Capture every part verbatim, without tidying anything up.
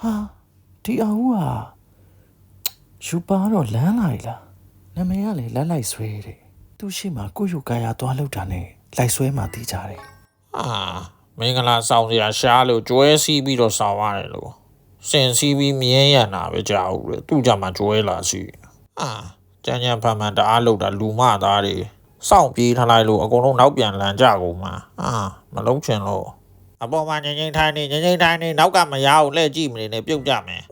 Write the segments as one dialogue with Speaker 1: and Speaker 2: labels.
Speaker 1: 哈，ဒီအဟူ啊，ယူပါတော့လမ်းလိုက်လားနာမည်ကလေလက်လိုက်ဆွဲတယ်သူရှိမှကိုယူကာယာသွားလောက်တာနဲ့လိုက်ဆွဲမှတီးကြတယ်
Speaker 2: အာမင်္ဂလာဆောင်စရာရှားလို့ကျွဲစီးပြီးတော့ဆောင်ရတယ်လို့စင်စီးပြီးမြင်းရံတာပဲကြာဘူးလေသူ့ကြမှာကျွဲလာစီအာကြမ်းကြမ်းဖန်ဖန်တအားလောက်တာလူမသားတွေစောင့်ပြေးထားလိုက်လို့အကုန်လုံးနောက်ပြန်လန်ကြကုန်မှာအာမလုံးချင်လို့အပေါ်မှာငိမ့်ငိမ့်ထိုင်းနေငိမ့်ငိမ့်ထိုင်းနေနောက်ကမရအောင်လှည့်ကြည့်မနေနဲ့ပြုတ်ကြမယ်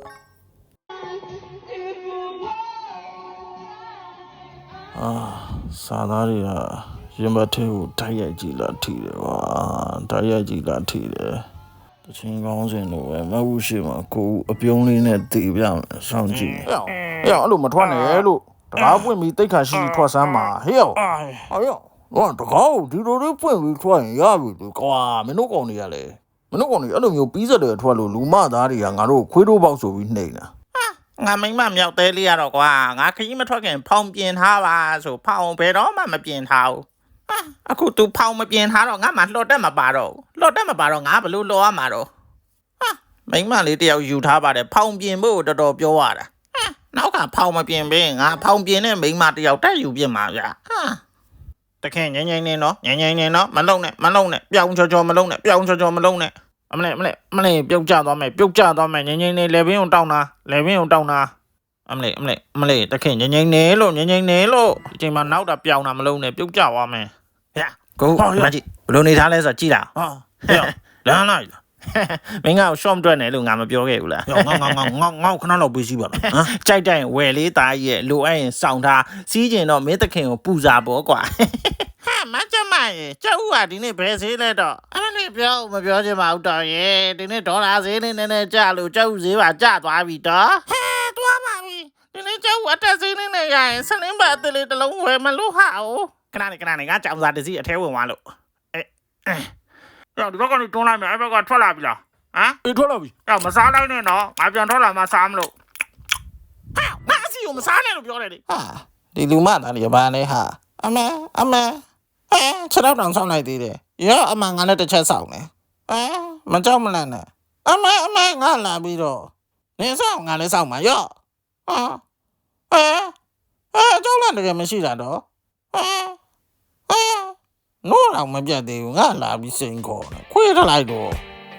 Speaker 1: အာစာသားတွေကရင်ဘတ်ထဲကိုတိုက်ရိုက်ကြည့်လာထိတယ်ကွာတိုက်ရိုက်ကြည့်လာထိတယ်တချင်းကောင်းစင်လို့ပဲမဟုတ်ရှိမှာကိုအပြုံးလေးနဲ့တည်ပြမယ်စောင့်ကြည့်ဟဲ့အဲ့အဲ့လိုမထွက်နဲ့လို့တကားပွင့်ပြီးတိတ်ခါရှိထွက်စမ်းမှာဟဲ့ဟဲ့တော့တကားကိုဒီလိုလေးပွင့်ပြီးထွက်ရင်ရပြီလေကွာမင်းတို့ကောင်တွေကလေမင်းတို့ကောင်တွေအဲ့လိုမျိုးပြီးစတယ်ထွက်လို့လူမသားတွေကငါတို့ခွေးတို့ပေါက်ဆိုပြီးနှိမ့်တာ
Speaker 2: ငါမိမမြောက်သေးလေးရတော့ကွာငါခကြီးမထွက်ခင်ဖောင်ပြင်ထားပါဆိုဖောင်ဘယ်တော့မှမပြင်ထားဘူးအခု तू ဖောင်မပြင်ထားတော့ငါမှလှော်တက်မပါတော့လှော်တက်မပါတော့ငါဘလို့လှော်ရမှာတော့ဟာမိမလေးတယောက်ယူထားပါတယ်ဖောင်ပြင်ဖို့တော်တော်ပြောရတာနောက်ကဖောင်မပြင်ဘင်းငါဖောင်ပြင်နဲ့မိမတယောက်တက်ယူပြင်မှာဗျာဟာတခင်ငိမ့်ငိမ့်နေနော်ငိမ့်ငိမ့်နေနော်မလုံနဲ့မလုံနဲ့ပြောင်းချောချောမလုံနဲ့ပြောင်းချောချောမလုံနဲ့အမလေးအမလေးအမလေးပြုတ်ကျသွားမယ်ပြုတ်ကျသွားမယ်ငိမ့်ငိမ့်နေလေဘင်းအောင်တောင်းတာလေဘင်းအောင်တောင်းတာအမလေးအမလေးအမလေးတခင်ငိမ့်ငိမ့်နေလို့ငိမ့်ငိမ့်နေလို့ဒီချိန်မှာနောက်တာပြောင်းတာမလုံနဲ့ပြုတ်ကျသွားမယ်ဗျာကိုမကြည့်ဘယ်လိုနေထားလဲဆိုကြည့်တာဟာဟဲ့လမ်းလိုက်လားမင်းကရှော့မတွက်နဲ့လို့ငါမပြောခဲ့ဘူးလားငေါငေါငေါငေါငေါငေါခဏလောက်ပေးစီပါလားဟမ်ကြိုက်တိုင်းဝယ်လေးသားကြီးရဲ့လိုအပ်ရင်စောင့်ထားစီးကျင်တော့မင်းတခင်ကိုပူစာပေါ့ကွာဟာမကြမရေကျောက်ဦးကဒီနေ့ဘယ်ဈေးလဲတော့အဲ့လေးပြောမပြောချင်ပါဘူးတော်ရေဒီနေ့ဒေါ်လာဈေးလေးနည်းနည်းကျလို့ကျောက်ဦးဈေးပါကျသွားပြီတော့ဟဲသွားပါပြီဒီနေ့ကျောက်ဦးအတက်ဈေးလေးနဲ့ရရင်ဆလင်းဘတ်အသေးလေးတစ်လုံးဝယ်မလို့ဟာ哦ခဏနေခဏနေငါကြောင်စာတစ်စီးအထဲဝင်သွားလို့အဲအဲဒီဘက်ကနေတွန်းလိုက်မယ်အဲ့ဘက်ကထွက်လာပြီလားဟမ်အေးထွက်လာပြီအဲ့မစားလိုက်နဲ့တော့ငါပြန်ထွက်လာမှစားမလို့ဟာငါအစီကိုမစားနဲ့လို့ပြောတယ်လေဟာဒီလူမသားတွေဘာလဲဟာအမေအမေအဲခြေတော့တောင်ဆောင်းလိုက်သေးတယ်ရောအမငါလည်းတစ်ချက်ဆောင်းနေအဲမကြောက်မလန့်နဲ့အမေအမေငါလာပြီးတော့နေဆောင်းငါလည်းဆောင်းမှာရောဟာအဲအဲကြောက်လန့်တယ်မရှိတာတော့အဲအဲနိုးတော့မပြတ်သေးဘူးငါလာပြီးစိန်ခေါ်တယ်ခွေးထလိုက်တော့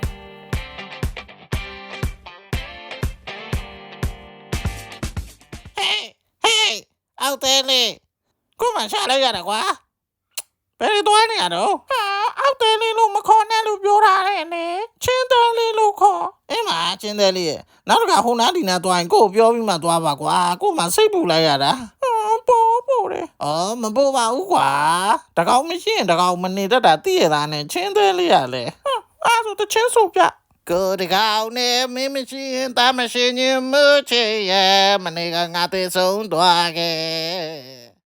Speaker 2: ဟေးဟေးအောက်သေးလေကိုမရှာလိုက်ရတာကွာဘယ်တော့နေရတော့ဟာအောက်သေးလေးလို့မခေါ်နဲ့လို့ပြောထားတယ်လေချင်းသေးလေးလို့ခေါ်အင်းမချင်းသေးလေးရဲ့နောက်တစ်ခါဟိုနားဒီနားသွားရင်ကိုပြောပြီးမှသွားပါကွာကိုမှစိတ်ပူလိုက်ရတာပို့ပို့တယ်အော်မပို့ပါဘူးကွာတကောင်မရှိရင်တကောင်မနေတတ်တာသိရတာနဲ့ချင်းသေးလေးရလေအဲ့ဒါတချင်းဆိုပြကိုတကောင်နဲ့မင်းမရှိရင်တာမရှိရင်မချေရမနေကငါသေးဆုံးသွားခဲ့